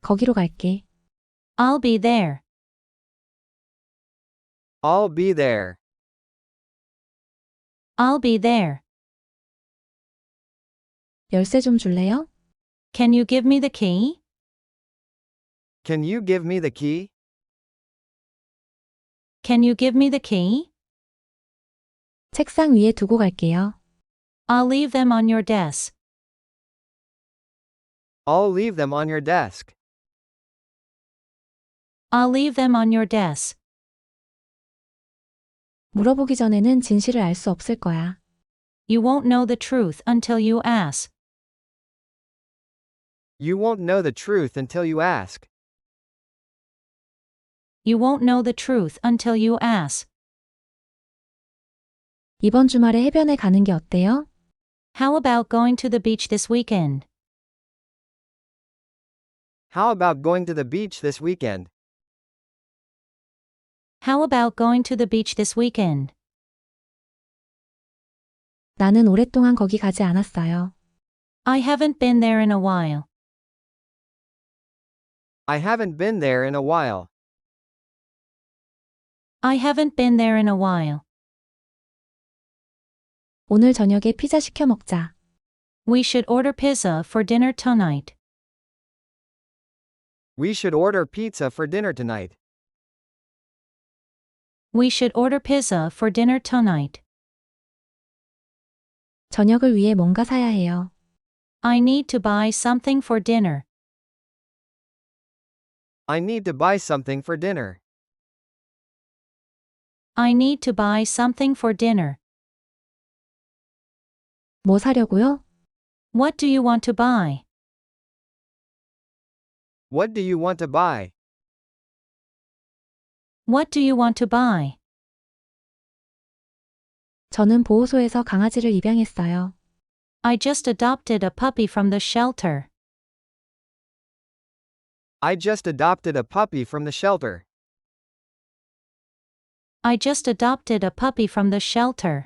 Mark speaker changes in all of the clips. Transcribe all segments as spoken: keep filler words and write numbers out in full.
Speaker 1: 거기로 갈게.
Speaker 2: I'll be there.
Speaker 3: I'll be there.
Speaker 2: I'll be there.
Speaker 1: 열쇠 좀 줄래요?
Speaker 2: Can you give me the key?
Speaker 3: Can you give me the key?
Speaker 2: Can you give me the key?
Speaker 1: 책상 위에 두고 갈게요.
Speaker 2: I'll leave them on your desk.
Speaker 3: I'll leave them on your desk.
Speaker 2: I'll leave them on your desk.
Speaker 1: 물어보기 전에는 진실을 알 수 없을 거야.
Speaker 2: You won't know the truth until you ask.
Speaker 3: You won't know the truth until you ask.
Speaker 2: You won't know the truth until you ask.
Speaker 1: 이번 주말에 해변에 가는 게 어때요?
Speaker 2: How about going to the beach this weekend?
Speaker 3: How about going to the beach this weekend?
Speaker 2: How about going to the beach this weekend?
Speaker 1: 나는 오랫동안 거기 가지 않았어요.
Speaker 2: I haven't been there in a while.
Speaker 3: I haven't been there in a while.
Speaker 2: I haven't been there in a while.
Speaker 1: 오늘 저녁에 피자 시켜 먹자.
Speaker 2: We should order pizza for dinner tonight.
Speaker 3: We should order pizza for dinner tonight.
Speaker 2: We should order pizza for dinner tonight.
Speaker 1: 저녁을 위해 뭔가 사야 해요.
Speaker 2: I need to buy something for dinner.
Speaker 3: I need to buy something for dinner.
Speaker 2: I need to buy something for dinner.
Speaker 1: 뭐 사려고요?
Speaker 2: What do you want to buy?
Speaker 3: What do you want to buy?
Speaker 2: What do you want to buy?
Speaker 1: 저는 보호소에서 강아지를 입양했어요.
Speaker 2: I just adopted a puppy from the shelter.
Speaker 3: I just adopted a puppy from the shelter.
Speaker 2: I just adopted a puppy from the shelter.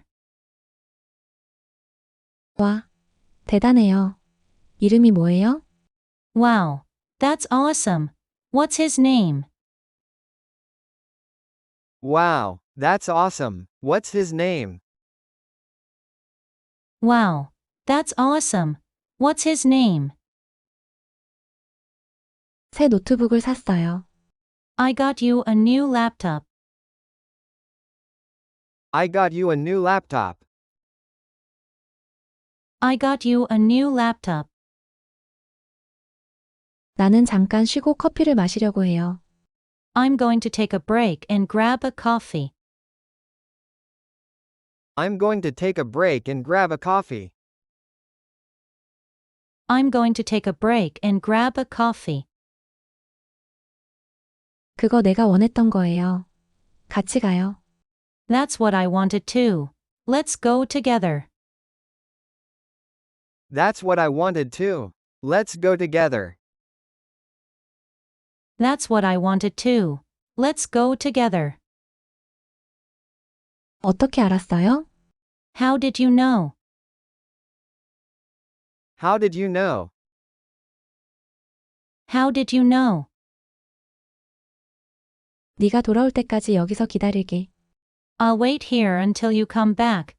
Speaker 1: 와, 대단해요. 이름이 뭐예요?
Speaker 2: Wow, that's awesome. What's his name?
Speaker 3: Wow, that's awesome. What's his name?
Speaker 2: Wow, that's awesome. What's his name?
Speaker 1: 새 노트북을 샀어요.
Speaker 2: I got you a new laptop.
Speaker 3: I got you a new laptop.
Speaker 2: I got you a new laptop.
Speaker 1: 나는 잠깐 쉬고 커피를 마시려고 해요.
Speaker 2: I'm going to take a break and grab a coffee.
Speaker 3: I'm going to take a break and grab a coffee.
Speaker 2: I'm going to take a break and grab a coffee.
Speaker 1: 그거 내가 원했던 거예요. 같이 가요.
Speaker 2: That's what I wanted too. Let's go together.
Speaker 3: That's what I wanted too. Let's go together.
Speaker 2: That's what I wanted too. Let's go together.
Speaker 1: 어떻게 알았어요?
Speaker 2: How did you know?
Speaker 3: How did you know?
Speaker 2: How did you know?
Speaker 1: 네가 돌아올 때까지 여기서 기다릴게.
Speaker 2: I'll wait here until you come back.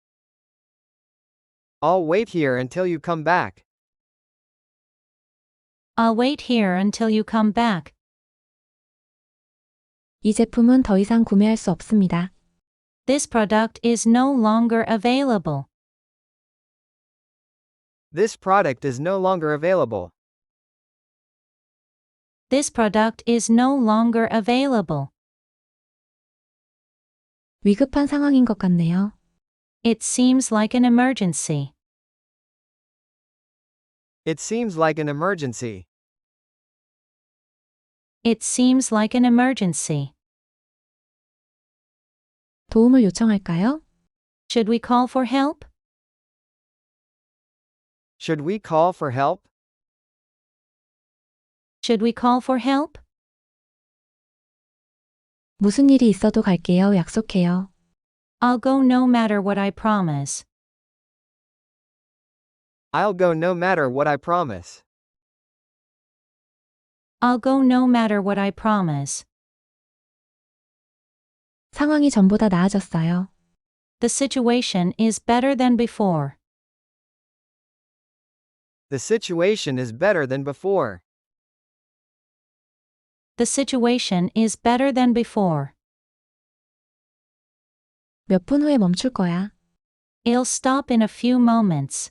Speaker 3: I'll wait here until you come back.
Speaker 2: I'll wait here until you come back.
Speaker 1: 이 제품은 더 이상 구매할 수 없습니다.
Speaker 2: This product is no longer available.
Speaker 3: This product is no longer available.
Speaker 2: This product is no longer available.
Speaker 1: 위급한 상황인 것 같네요.
Speaker 2: It seems like an emergency.
Speaker 3: It seems like an emergency.
Speaker 2: It seems like an emergency.
Speaker 1: 도움을 요청할까요?
Speaker 2: Should we call for help?
Speaker 3: Should we call for help?
Speaker 2: Should we call for help?
Speaker 1: 무슨 일이 있어도 갈게요. 약속해요.
Speaker 2: I'll go no matter what I promise.
Speaker 3: I'll go no matter what I promise.
Speaker 2: I'll go no matter what, I promise.
Speaker 1: 상황이 전보다 나아졌어요.
Speaker 2: The situation is better than before.
Speaker 3: The situation is better than before.
Speaker 2: The situation is better than before.
Speaker 1: 몇 분 후에 멈출 거야.
Speaker 2: It'll stop in a few moments.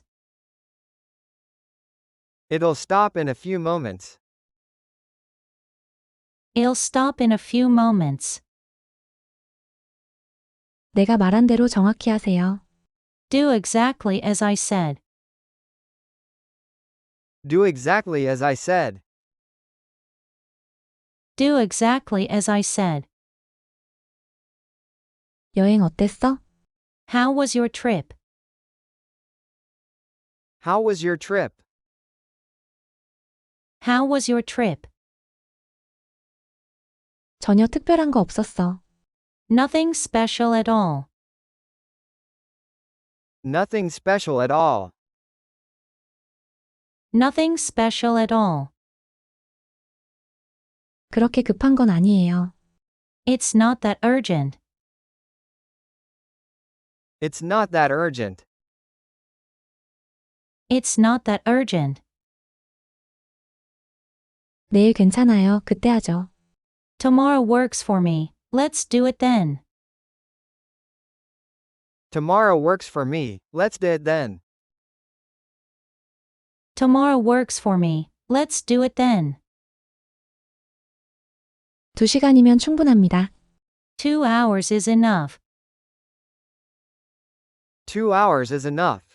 Speaker 3: It'll stop in a few moments.
Speaker 2: It'll stop in a few moments.
Speaker 1: 내가 말한 대로 정확히 하세요.
Speaker 2: Do exactly as I said.
Speaker 3: Do exactly as I said.
Speaker 2: Do exactly as I said.
Speaker 1: 여행 어땠어?
Speaker 2: How was your trip?
Speaker 3: How was your trip?
Speaker 2: How was your trip?
Speaker 1: 전혀 특별한 거 없었어.
Speaker 2: Nothing special at all.
Speaker 3: Nothing special at all.
Speaker 2: Nothing special at all.
Speaker 1: 그렇게 급한 건 아니에요.
Speaker 2: It's not that urgent.
Speaker 3: It's not that urgent.
Speaker 2: It's not that urgent.
Speaker 1: 내일 괜찮아요. 그때 하죠.
Speaker 2: Tomorrow works for me. Let's do it then.
Speaker 3: Tomorrow works for me. Let's do it then.
Speaker 2: Tomorrow works for me. Let's do it then.
Speaker 1: 두 시간이면 충분합니다.
Speaker 2: Two hours is enough.
Speaker 3: Two hours is enough.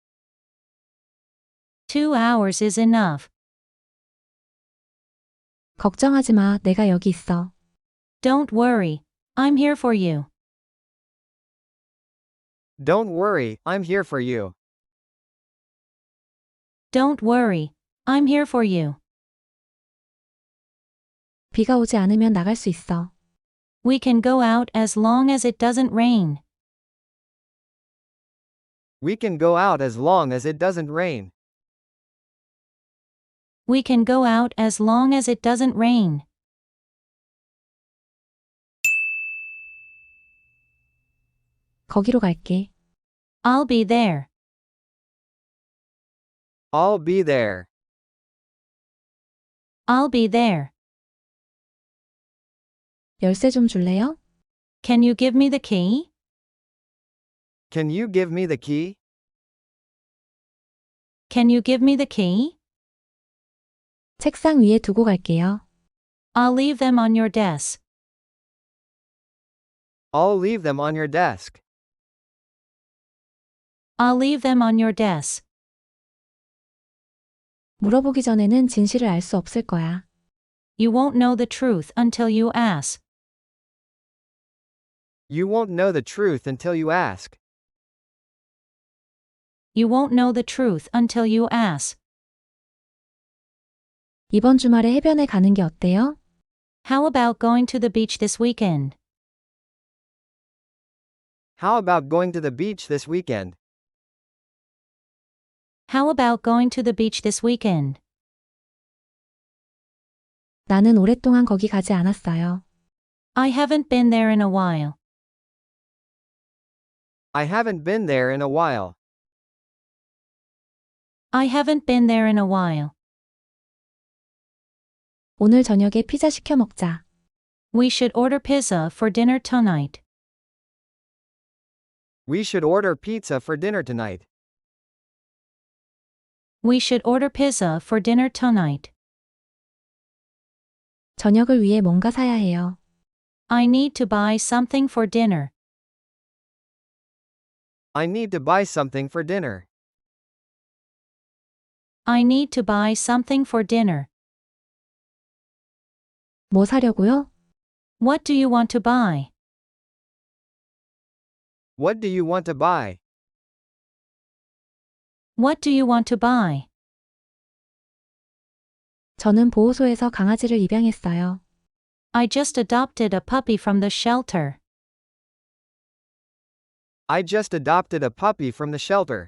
Speaker 2: Two hours is enough.
Speaker 1: 걱정하지 마. 내가 여기 있어.
Speaker 2: Don't worry. I'm here for you.
Speaker 3: Don't worry, I'm here for you.
Speaker 2: Don't worry. I'm here for you.
Speaker 1: 비가 오지 않으면 나갈 수 있어.
Speaker 2: We can go out as long as it doesn't rain.
Speaker 3: We can go out as long as it doesn't rain.
Speaker 2: We can go out as long as it doesn't rain.
Speaker 1: 거기로 갈게.
Speaker 2: I'll be there.
Speaker 3: I'll be there.
Speaker 2: I'll be there.
Speaker 1: 열쇠 좀 줄래요?
Speaker 2: Can you give me the key?
Speaker 3: Can you give me the key?
Speaker 2: Can you give me the key?
Speaker 1: 책상 위에 두고 갈게요.
Speaker 2: I'll leave them on your desk.
Speaker 3: I'll leave them on your desk.
Speaker 2: I'll leave them on your desk.
Speaker 1: 물어보기 전에는 진실을 알 수 없을 거야.
Speaker 2: You won't know the truth until you ask.
Speaker 3: You won't know the truth until you ask.
Speaker 2: You won't know the truth until you ask.
Speaker 1: 이번 주말에 해변에 가는 게 어때요?
Speaker 2: How about going to the beach this weekend?
Speaker 3: How about going to the beach this weekend?
Speaker 2: How about going to the beach this weekend?
Speaker 1: 나는 오랫동안 거기 가지 않았어요.
Speaker 2: I haven't been there in a while.
Speaker 3: I haven't been there in a while.
Speaker 2: I haven't been there in a while.
Speaker 1: 오늘 저녁에 피자 시켜 먹자.
Speaker 2: We should order pizza for dinner tonight.
Speaker 3: We should order pizza for dinner tonight.
Speaker 2: We should order pizza for dinner tonight.
Speaker 1: 저녁을 위해 뭔가 사야 해요.
Speaker 2: I need to buy something for dinner.
Speaker 3: I need to buy something for dinner.
Speaker 2: I need to buy something for dinner.
Speaker 1: 뭐 사려고요?
Speaker 2: What do you want to buy?
Speaker 3: What do you want to buy?
Speaker 2: What do you want to buy?
Speaker 1: 저는 보호소에서 강아지를 입양했어요.
Speaker 2: I just adopted a puppy from the shelter.
Speaker 3: I just adopted a puppy from the shelter.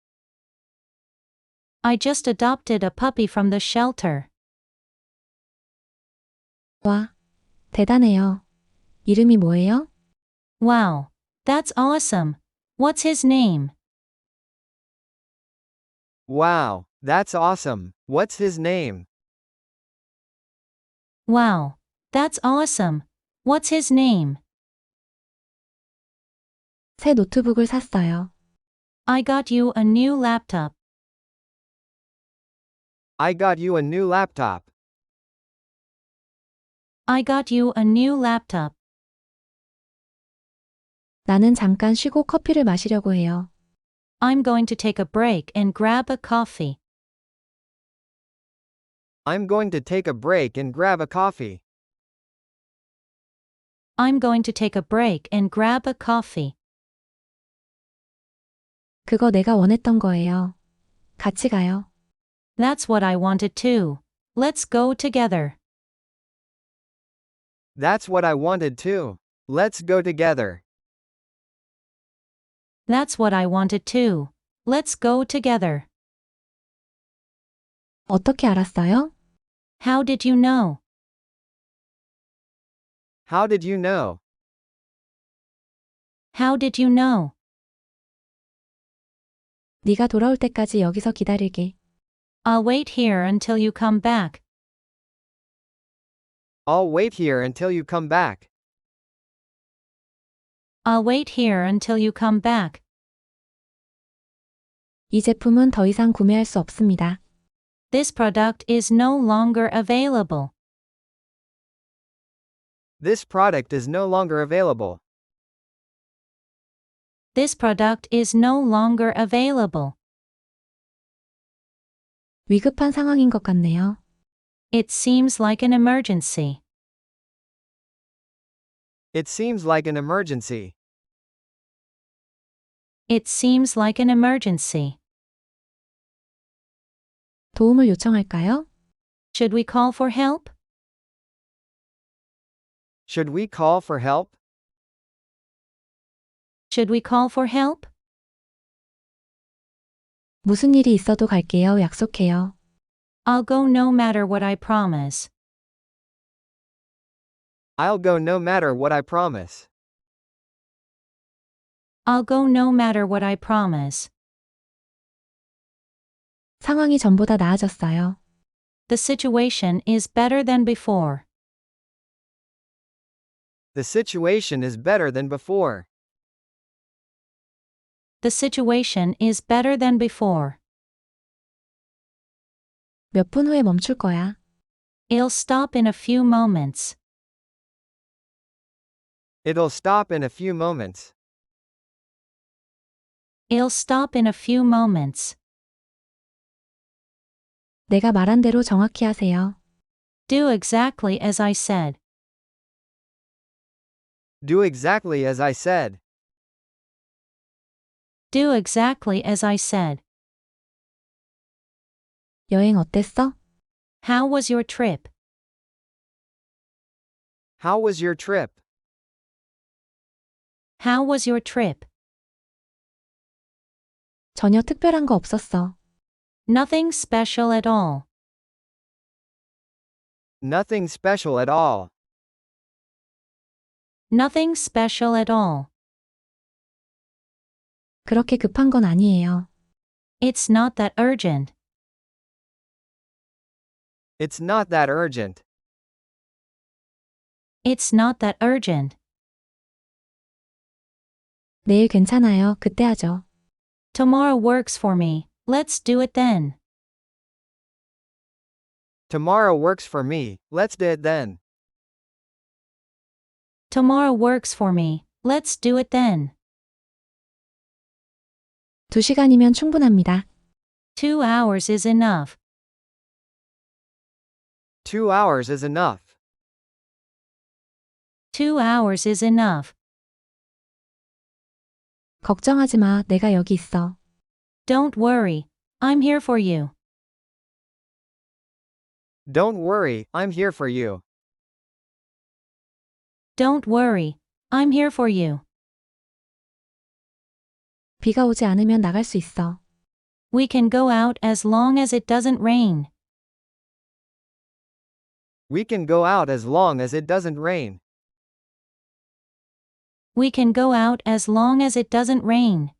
Speaker 2: I just adopted a puppy from the shelter.
Speaker 1: 와, 대단해요. 이름이 뭐예요?
Speaker 2: Wow, that's awesome. What's his name?
Speaker 3: Wow, that's awesome. What's his name?
Speaker 2: Wow, that's awesome. What's his name?
Speaker 1: 새 노트북을 샀어요.
Speaker 2: I got you a new laptop.
Speaker 3: I got you a new laptop.
Speaker 2: I got you a new laptop.
Speaker 1: 나는 잠깐 쉬고 커피를 마시려고 해요.
Speaker 2: I'm going to take a break and grab a coffee.
Speaker 3: I'm going to take a break and grab a coffee.
Speaker 2: I'm going to take a break and grab a coffee.
Speaker 1: 그거 내가 원했던 거예요. 같이 가요.
Speaker 2: That's what I wanted too. Let's go together.
Speaker 3: That's what I wanted too. Let's go together.
Speaker 2: That's what I wanted too. Let's go together.
Speaker 1: 어떻게 알았어요?
Speaker 2: How did you know?
Speaker 3: How did you know?
Speaker 2: How did you know?
Speaker 1: 네가 돌아올 때까지 여기서 기다릴게.
Speaker 2: I'll wait here until you come back.
Speaker 3: I'll wait here until you come back.
Speaker 2: I'll wait here until you come back.
Speaker 1: 이 제품은 더 이상 구매할 수 없습니다.
Speaker 2: This product is no longer available.
Speaker 3: This product is no longer available.
Speaker 2: This product is no longer available.
Speaker 1: 위급한 상황인 것 같네요.
Speaker 2: It seems like an emergency.
Speaker 3: It seems like an emergency.
Speaker 2: It seems like an emergency.
Speaker 1: 도움을 요청할까요?
Speaker 2: Should we call for help?
Speaker 3: Should we call for help?
Speaker 2: Should we call for help?
Speaker 1: 무슨 일이 있어도 갈게요. 약속해요.
Speaker 2: I'll go no matter what I promise.
Speaker 3: I'll go no matter what I promise.
Speaker 2: I'll go no matter what I promise.
Speaker 1: 상황이 전보다 나아졌어요.
Speaker 2: The situation is better than before.
Speaker 3: The situation is better than before.
Speaker 2: The situation is better than before.
Speaker 1: 몇 분 후에 멈출 거야.
Speaker 2: It'll stop in a few moments.
Speaker 3: It'll stop in a few moments.
Speaker 2: It'll stop in a few moments.
Speaker 1: 내가 말한 대로 정확히 하세요.
Speaker 2: Do exactly as I said.
Speaker 3: Do exactly as I said.
Speaker 2: Do exactly as I said.
Speaker 1: 여행 어땠어?
Speaker 2: How was your trip?
Speaker 3: How was your trip?
Speaker 2: How was your trip?
Speaker 1: 전혀 특별한 거 없었어.
Speaker 2: Nothing special at all.
Speaker 3: Nothing special at all.
Speaker 2: Nothing special at all.
Speaker 1: 그렇게 급한 건 아니에요.
Speaker 2: It's not that urgent.
Speaker 3: It's not that urgent.
Speaker 2: It's not that urgent.
Speaker 1: 내일 괜찮아요. 그때 하죠.
Speaker 2: Tomorrow works for me. Let's do it then.
Speaker 3: Tomorrow works for me. Let's do it then.
Speaker 2: Tomorrow works for me. Let's do it then.
Speaker 1: 두 시간이면 충분합니다.
Speaker 2: Two hours is enough.
Speaker 3: Two hours is enough.
Speaker 2: Two hours is enough.
Speaker 1: 걱정하지 마. 내가 여기 있어.
Speaker 2: Don't worry. I'm here for you.
Speaker 3: Don't worry, I'm here for you.
Speaker 2: Don't worry. I'm here for you.
Speaker 1: 비가 오지 않으면 나갈 수 있어.
Speaker 2: We can go out as long as it doesn't rain.
Speaker 3: We can go out as long as it doesn't rain.
Speaker 2: We can go out as long as it doesn't rain.